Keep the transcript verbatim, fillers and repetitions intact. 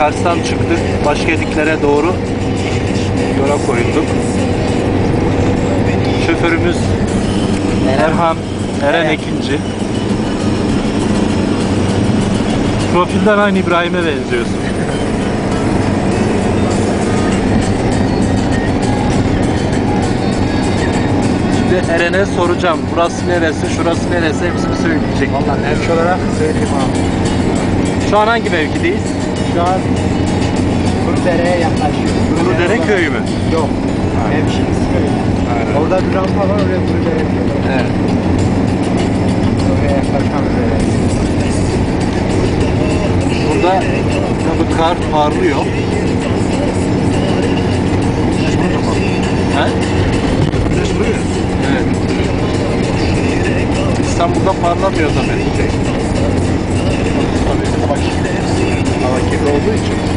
Kars'tan çıktık. Başkediklere doğru yola koyulduk. Şoförümüz Erhan, Eren Ekinci. Profilden aynı İbrahim'e benziyorsun. Şimdi Eren'e soracağım. Burası neresi, şurası neresi hepsini söyleyecek. Valla mevki olarak söyleyeyim abi. Şu an hangi mevkideyiz? Şu an Kurudere'ye yaklaşıyoruz. Kurudere köyü mü? Yok. Mevkimiz köy. Aynen. Orada bir rampa var, oraya Kurudere diyorlar. Evet. Oraya yaklaşmak üzereyiz. Burada tabii kar parlıyor. He? Evet. İstanbul'da parlamıyor tabii. Tabii hava kirli. Hava kirli olduğu için.